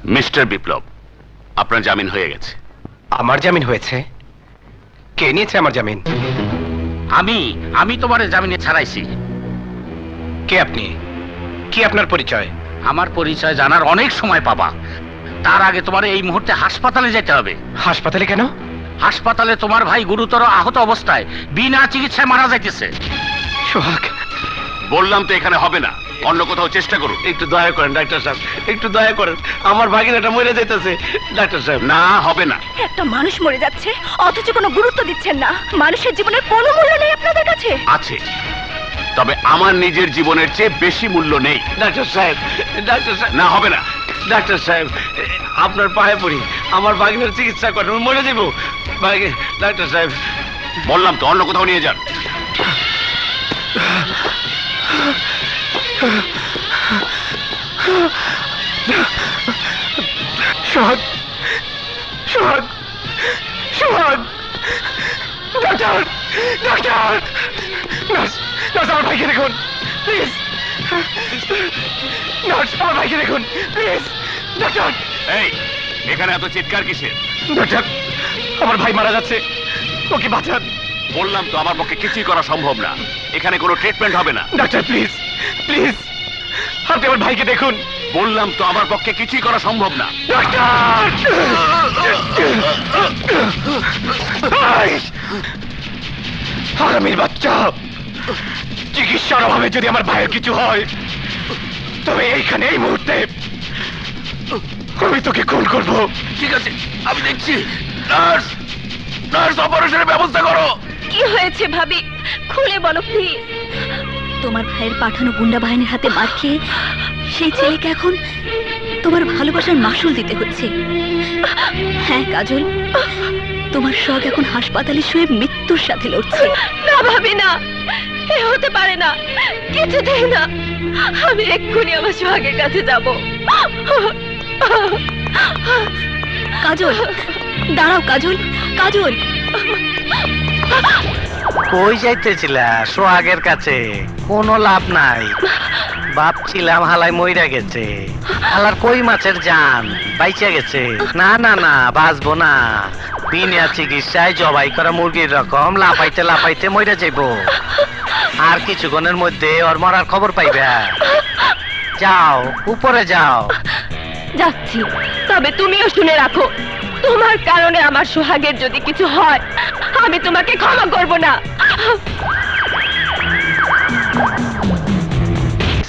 Mister বিপ্লব, আপনার জামিন হয়ে গেছে। আমার জামিন হয়েছে? কে নিয়েছে আমার জামিন? আমি তোমার জামিনে ছাড়াইছি। কে আপনি? কি আপনার পরিচয়? আমার পরিচয় জানার অনেক সময় পাবা, তার আগে তোমার এই মুহূর্তে হাসপাতালে যেতে হবে। হাসপাতালে কেন? হাসপাতালে তোমার ভাই গুরুতর আহত অবস্থায় বিনা চিকিৎসায় মারা যাইতেছে। সোহাগ, বললাম তো এখানে হবে না, অন্য কোথাও চেষ্টা করুন। একটু দয়া করেন ডাক্তার সাহেব, একটু দয়া করেন। আমার ভাগিনাটা মরে যাইতেছে ডাক্তার সাহেব। না, হবে না। একটা মানুষ মরে যাচ্ছে অথচ কোনো গুরুত্ব দিচ্ছেন না। মানুষের জীবনের কোনো মূল্য নেই আপনাদের কাছে? আছে, তবে আমার নিজের জীবনের চেয়ে বেশি মূল্য নেই। ডাক্তার সাহেব, ডাক্তার সাহেব, না, হবে না। ডাক্তার সাহেব, আপনার পায়ে পড়ি, আমার ভাগিনার চিকিৎসা করেন, আমি মরে যাবো। ডাক্তার সাহেব, বললাম তো অন্য কোথাও নিয়ে যান। Sohag, Sohag, Sohag, doctor, doctor, nurse, nurse, আমার ভাইকে দেখুন প্লিজ। নার্স, আমার ভাইকে দেখুন প্লিজ। ডাক্তার, এই, এখানে এত চিৎকার কিসের? ডাক্তার, আমার ভাই মারা যাচ্ছে, ওকে বাঁচান। বললাম তো আমার পক্ষে কিছুই করা সম্ভব না, এখানে কোনো ট্রিটমেন্ট হবে না। ডাক্তার প্লিজ, প্লিজ, আপনি আমার ভাইকে দেখুন। বললাম তো আমার পক্ষে কিছুই করা সম্ভব না। ডাক্তার, আগামীর বাচ্চা, চিকিৎসার অভাবে যদি আমার ভাইয়ের কিছু হয় তবে এইখানে এই মুহূর্তে আমি তোকে খুন করবো। ঠিক আছে, আমি দেখছি। নার্স, নার্স, অপারেশনের ব্যবস্থা করো। কি হয়েছে ভাবি, খুলে বলো প্লিজ। তোমার ভাইয়ের পাঠানো গুন্ডা বাহিনীর হাতে মার খেয়ে সেই ছেলেকে এখন তোমার ভালোবাসার মাসুল দিতে হচ্ছে। হ্যাঁ কাজল, তোমার শখ এখন হাসপাতালে শুয়ে মৃত্যুর সাথে লড়ছে। না ভাবি না, এ হতে পারে না, কিছুতেই না। আমি এক্ষুনি আমার সোহাগের কাছে যাব। কাজল, দাঁড়াও কাজল, কাজল। কই যাইতেছিলা? সোহাগের কাছে? কোনো লাভ নাই। ভাবছিলাম হালাই মইরা গেছে, হালার কই মাছের জান বাইচা গেছে। না না না, বাঁচবো না। বিনা চিকিৎসায় জবাই করা মুরগির রকম লাফাইতে লাফাইতে মইরা যাইবো। আর কিছুক্ষণের মধ্যে ওর মরার খবর পাইবে। যাও, উপরে যাও। যাচ্ছি, তবে তুমিও শুনে রাখো, তোমার কারণে আমার সোহাগের যদি কিছু হয় আমি তোমাকে ক্ষমা করব না।